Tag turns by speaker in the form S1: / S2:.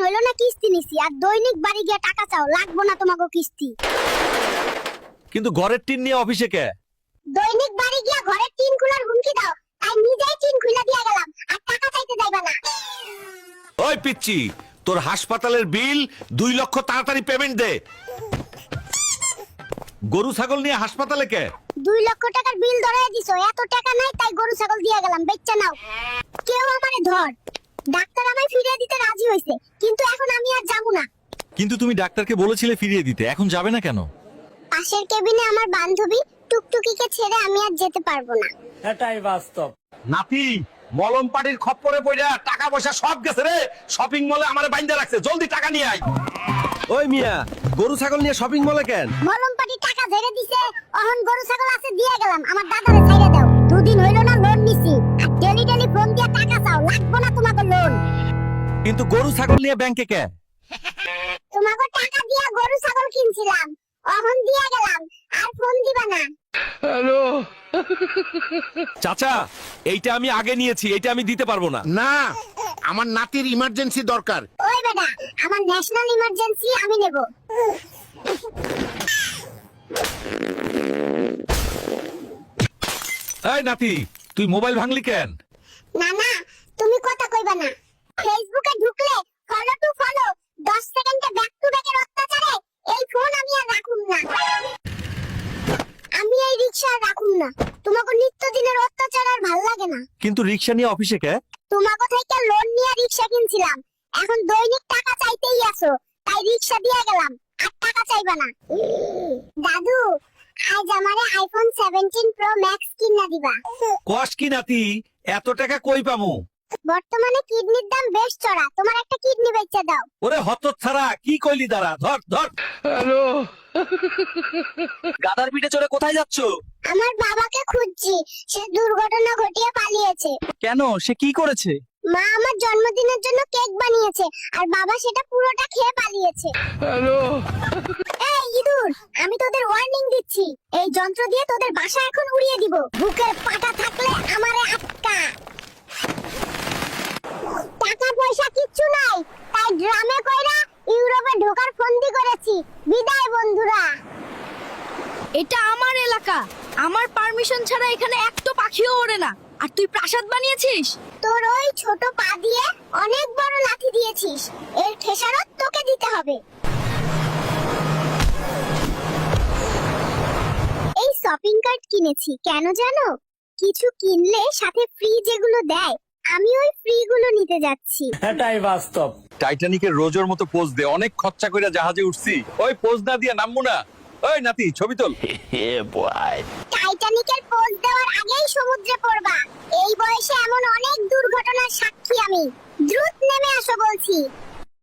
S1: হইলো না কিস্তি নিছি, আর দৈনিক বাড়ি গিয়া টাকা চাও, লাগবো না তোমাকে কিস্তি।
S2: কিন্তু ঘরের টিন নিয়ে অফিসে কে?
S1: দৈনিক বাড়ি গিয়া ঘরের টিন খুলার হুমকি দাও, তাই নিজেই টিন খুলে দিয়া গেলাম, আর টাকা চাইতে যাইবা না।
S2: ওই পিচ্চি, তোর হাসপাতালের বিল 2 লক্ষ তাড়াতাড়ি পেমেন্ট দে। গরু ছাগল নিয়ে হাসপাতালে কে?
S1: 2 লক্ষ টাকার বিল ধরায় দিছো, এত টাকা নাই তাই গরু ছাগল দিয়া গেলাম, বেচ্চা নাও। কেউ আমারে ধর। ডাক্তার আমায় ফিরিয়ে দিতে রাজি হইছে, কিন্তু এখন আমি আর যাবো না।
S2: কিন্তু তুমি ডাক্তারকে বলেছিলে ফিরিয়ে দিতে, এখন যাবে না কেন?
S1: পাশের কেবিনে আমার বান্ধবী টুকটুকিকে ছেড়ে আমি আর যেতে পারবো না।
S3: এটাই বাস্তব।
S2: নাতি, মলম পাটির খপ্পরে পড়া টাকা পয়সা সব গেছে রে। শপিং মলে আমারে বাইন্ধা রাখছে, জলদি টাকা নিয়ে আয়।
S4: ওই মিয়া, গরু ছাগল নিয়ে শপিং মলে কেন?
S1: মলমপাটি টাকা ঝেড়ে দিছে, অহন গরু ছাগল আছে দিয়ে গেলাম, আমার দাদারে ছাইড়া দাও। 2 দিন হইলো না লোন নিছি, আর ডেলি ডেলি ফোন দিয়া টাকা চাও, লাগবো না তোমাকে লোন।
S2: কিন্তু গরু ছাগল নিয়ে ব্যাংকে কে?
S1: তোমাকে টাকা দিয়া গরু ছাগল কিনছিলাম, অহন দিয়া গেলাম, আর ফোন দিবা না।
S2: চাচা, এইটা আমি আগে নিয়েছি, এইটা আমি দিতে পারবো না।
S5: না, আমার নাতির ইমার্জেন্সি দরকার।
S1: ওই বেটা, আমার ন্যাশনাল ইমার্জেন্সি, আমি নেব।
S2: এই নাতি, তুই মোবাইল ভাঙলি কেন?
S1: না না, তুমি কথা কইবা না। ফেসবুকে ঢুকলে ফলো টু ফলো, 10 সেকেন্ডে ব্যাক টু ব্যাকের অত্যাচারে এই ফোন আমি আর রাখুম না। আমি এই রিকশা আর রাখুম না, তোমাকে নিত্যদিনের অত্যাচার আর ভাল লাগে না।
S2: কিন্তু রিক্সা নিয়ে অফিসে কে?
S1: তোমাকে থেকে লোন নিয়ে রিকশা কিনছিলাম, এখন দৈনিক টাকা চাইতেই আছো, তাই রিকশা দিয়ে গেলাম, আর টাকা চাইবা না। দাদু, আজ আমারে আইফোন 17 প্রো ম্যাক্স কিনা দিবা।
S2: কস কি নাতি, এত টাকা কই পামু?
S1: বর্তমানে কিডনির দাম বেশ চড়া, তোমার একটা কিডনি বেচে দাও।
S2: ওরে হতচ্ছাড়া, কি কইলি দাঁড়া, ধর ধর। গাদার পিঠে চড়ে কোথায় যাচ্ছ?
S1: আমার বাবাকে খুঁজছি, সে দুর্ঘটনা ঘটিয়ে পালিয়েছে।
S4: কেন, সে কি করেছে?
S1: মা আমার জন্মদিনের জন্য কেক বানিয়েছে, আর বাবা সেটা পুরোটা খেয়ে পালিয়েছে। এই ইঁদুর, আমি তোদের ওয়ার্নিং দিচ্ছি, এই যন্ত্র দিয়ে তোদের বাসা এখন উড়িয়ে দিব। বুকের পাটা থাকলে আমারে আটকা। টাকা পয়সা কিচ্ছু নাই, তাই ড্রামে কইরা ইউরোপে ঢোকার ফন্দি করেছি। বিদায় বন্ধুরা।
S6: এটা আমার এলাকা, আমার পারমিশন ছাড়া এখানে একটা পাখিও ওড়ে না, আর তুই প্রাসাদ বানিয়েছিস?
S1: তোর ওই ছোট পা দিয়ে অনেক বড় লাঠি দিয়েছিস, এর খেসারত তোকে দিতে হবে। এই শপিং কার্ট কিনেছি, কেন জানো? কিছু কিনলে সাথে ফ্রি যেগুলো দেয়, আমি ওই ফ্রি গুলো নিতে যাচ্ছি।
S3: এটাই বাস্তব।
S2: টাইটানিকের রোজের মতো পোজ দে, অনেক খরচা কইরা জাহাজে উঠছি, ওই পোজ না দিয়া নামবো না। ওই নাতি, ছবি তোল।
S1: টাইটানিকের পোজ দেওয়ার আগেই সমুদ্রে পড়বা। এই বয়সে এমন অনেক দুর্ঘটনার সাক্ষী আমি। দ্রুত নেমে আসো বলছি।